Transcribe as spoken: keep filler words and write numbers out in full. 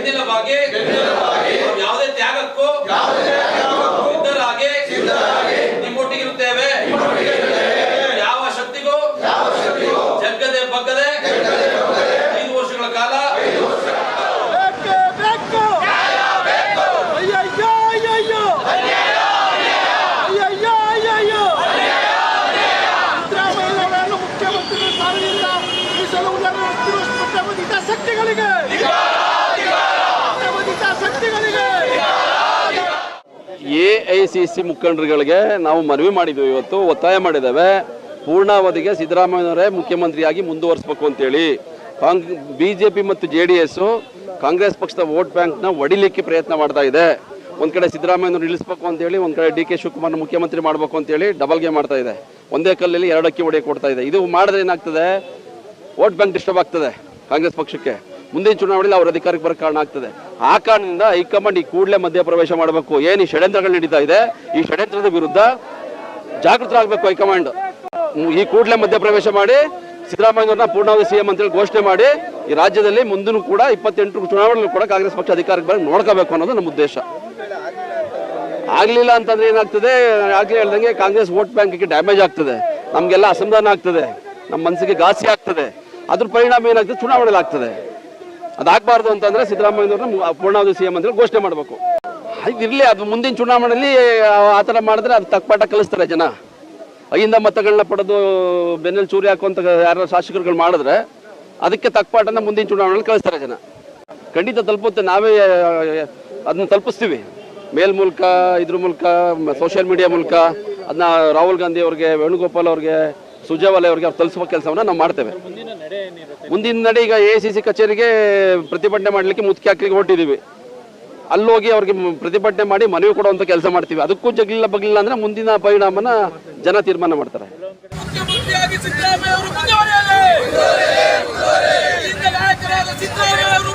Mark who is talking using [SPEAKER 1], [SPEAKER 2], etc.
[SPEAKER 1] ಬೆನ್ನೆಲುಬಾಗಿ ಯಾವುದೇ ತ್ಯಾಗಕ್ಕೂ ಸಿದ್ಧರಾಗಿ ನಿಮ್ಮೊಟ್ಟಿಗಿರುತ್ತೇವೆ. ಯಾವ ಶಕ್ತಿಗೂ ಜಗ್ಗದೆ ಬಗ್ಗದೆ ಐದು ವರ್ಷಗಳ ಕಾಲ
[SPEAKER 2] ಎ ಐ ಸಿ ಸಿ ಮುಖಂಡರುಗಳಿಗೆ ನಾವು ಮನವಿ ಮಾಡಿದ್ವಿ, ಇವತ್ತು ಒತ್ತಾಯ ಮಾಡಿದ್ದೇವೆ. ಪೂರ್ಣಾವಧಿಗೆ ಸಿದ್ದರಾಮಯ್ಯನವರೇ ಮುಖ್ಯಮಂತ್ರಿಯಾಗಿ ಮುಂದುವರಿಸಬೇಕು ಅಂತೇಳಿ. ಕಾಂಗ್ ಬಿ ಜೆ ಪಿ ಮತ್ತು ಜೆ ಡಿ ಎಸ್ ಕಾಂಗ್ರೆಸ್ ಪಕ್ಷದ ವೋಟ್ ಬ್ಯಾಂಕ್ನ ಒಡಿಲಿಕ್ಕೆ ಪ್ರಯತ್ನ ಮಾಡ್ತಾ ಇದೆ. ಒಂದು ಕಡೆ ಸಿದ್ದರಾಮಯ್ಯನವರು ಇಳಿಸ್ಬೇಕು ಅಂತೇಳಿ, ಒಂದು ಕಡೆ ಡಿ ಕೆ ಶಿವಕುಮಾರ್ನ ಮುಖ್ಯಮಂತ್ರಿ ಮಾಡಬೇಕು ಅಂತೇಳಿ ಡಬಲ್ ಗೇಮ್ ಮಾಡ್ತಾ ಇದೆ. ಒಂದೇ ಕಲ್ಲಲ್ಲಿ ಎರಡು ಅಕ್ಕಿ ಹೊಡೆಯಕ್ಕೆ ಕೊಡ್ತಾ ಇದೆ. ಇದು ಮಾಡಿದ್ರೆ ಏನಾಗ್ತದೆ, ವೋಟ್ ಬ್ಯಾಂಕ್ ಡಿಸ್ಟರ್ಬ್ ಆಗ್ತದೆ ಕಾಂಗ್ರೆಸ್ ಪಕ್ಷಕ್ಕೆ. ಮುಂದಿನ ಚುನಾವಣೆಯಲ್ಲಿ ಅವ್ರ ಅಧಿಕಾರಕ್ಕೆ ಬರೋ ಕಾರಣ ಆಗ್ತದೆ. ಆ ಕಾರಣದಿಂದ ಹೈಕಮಾಂಡ್ ಈ ಕೂಡಲೇ ಮಧ್ಯಪ್ರವೇಶ ಮಾಡಬೇಕು. ಏನು ಈ ಷಡ್ಯಂತ್ರಗಳು ನಡೀತಾ ಇದೆ, ಈ ಷಡ್ಯಂತ್ರದ ವಿರುದ್ಧ ಜಾಗೃತರಾಗಬೇಕು ಹೈಕಮಾಂಡ್. ಈ ಕೂಡಲೇ ಮಧ್ಯಪ್ರವೇಶ ಮಾಡಿ ಸಿದ್ದರಾಮಯ್ಯವ್ರನ್ನ ಪೂರ್ಣಾವಧಿ ಸಿಎಂ ಅಂತೇಳಿ ಘೋಷಣೆ ಮಾಡಿ ಈ ರಾಜ್ಯದಲ್ಲಿ ಮುಂದೂ ಕೂಡ ಇಪ್ಪತ್ತೆಂಟು ಚುನಾವಣೆಗಳು ಕೂಡ ಕಾಂಗ್ರೆಸ್ ಪಕ್ಷ ಅಧಿಕಾರಕ್ಕೆ ಬರೋದು ನೋಡ್ಕೋಬೇಕು ಅನ್ನೋದು ನಮ್ಮ ಉದ್ದೇಶ. ಆಗ್ಲಿಲ್ಲ ಅಂತಂದ್ರೆ ಏನಾಗ್ತದೆ, ಆಗ್ಲೇ ಹೇಳ್ದಂಗೆ ಕಾಂಗ್ರೆಸ್ ವೋಟ್ ಬ್ಯಾಂಕಿಗೆ ಡ್ಯಾಮೇಜ್ ಆಗ್ತದೆ, ನಮ್ಗೆಲ್ಲ ಅಸಮಾಧಾನ ಆಗ್ತದೆ, ನಮ್ಮ ಮನಸ್ಸಿಗೆ ಘಾಸಿ ಆಗ್ತದೆ. ಅದ್ರ ಪರಿಣಾಮ ಏನಾಗ್ತದೆ, ಚುನಾವಣೆಯಲ್ಲಿ ಆಗ್ತದೆ. ಅದಾಗಬಾರ್ದು ಅಂತಂದ್ರೆ ಸಿದ್ದರಾಮಯ್ಯವ್ರನ್ನ ಪೂರ್ಣಾವಧಿ ಸಿಎಂ ಅಂತೇಳಿ ಘೋಷಣೆ ಮಾಡಬೇಕು. ಇರಲಿ, ಅದು ಮುಂದಿನ ಚುನಾವಣೆಯಲ್ಲಿ ಆ ಥರ ಮಾಡಿದ್ರೆ ಅದು ತಕ್ಪಾಠ ಕಲಿಸ್ತಾರೆ ಜನ. ಐಯಿಂದ ಮತಗಳನ್ನ ಪಡೆದು ಬೆನ್ನಲ್ಲಿ ಚೂರಿ ಹಾಕುವಂತ ಯಾರು ಶಾಸಕರುಗಳು ಮಾಡಿದ್ರೆ ಅದಕ್ಕೆ ತಕ್ಪಾಠನ ಮುಂದಿನ ಚುನಾವಣೆಯಲ್ಲಿ ಕಳಿಸ್ತಾರೆ ಜನ. ಖಂಡಿತ ತಲುಪುತ್ತೆ, ನಾವೇ ಅದನ್ನ ತಲುಪಿಸ್ತೀವಿ. ಮೇಲ್ ಮೂಲಕ, ಇದ್ರ ಮೂಲಕ, ಸೋಷಿಯಲ್ ಮೀಡಿಯಾ ಮೂಲಕ ಅದನ್ನ ರಾಹುಲ್ ಗಾಂಧಿ ಅವ್ರಿಗೆ, ವೇಣುಗೋಪಾಲ್ ಅವ್ರಿಗೆ, ಸುರ್ಜೇವಾಲಾ ಅವ್ರಿಗೆ ಅವ್ರು ತಲುಪಿಸುವ ಕೆಲಸವನ್ನ ನಾವು ಮಾಡ್ತೇವೆ. ಮುಂದಿನ ನಡೆ ಈಗ ಎ ಸಿ ಸಿ ಕಚೇರಿಗೆ ಪ್ರತಿಭಟನೆ ಮಾಡಲಿಕ್ಕೆ ಮುತ್ಕಿ ಹಾಕಲಿಕ್ಕೆ ಹೊರಟಿದ್ದೀವಿ. ಅಲ್ಲೋಗಿ ಅವ್ರಿಗೆ ಪ್ರತಿಭಟನೆ ಮಾಡಿ ಮನವಿ ಕೊಡುವಂತ ಕೆಲಸ ಮಾಡ್ತೀವಿ. ಅದಕ್ಕೂ ಜಗ್ಲಿಲ್ಲ ಬಗ್ಲಿಲ್ಲ ಅಂದ್ರೆ ಮುಂದಿನ ಪರಿಣಾಮನ ಜನ ತೀರ್ಮಾನ ಮಾಡ್ತಾರೆ.
[SPEAKER 3] ಸಿದ್ದರಾಮಯ್ಯ ಅವರು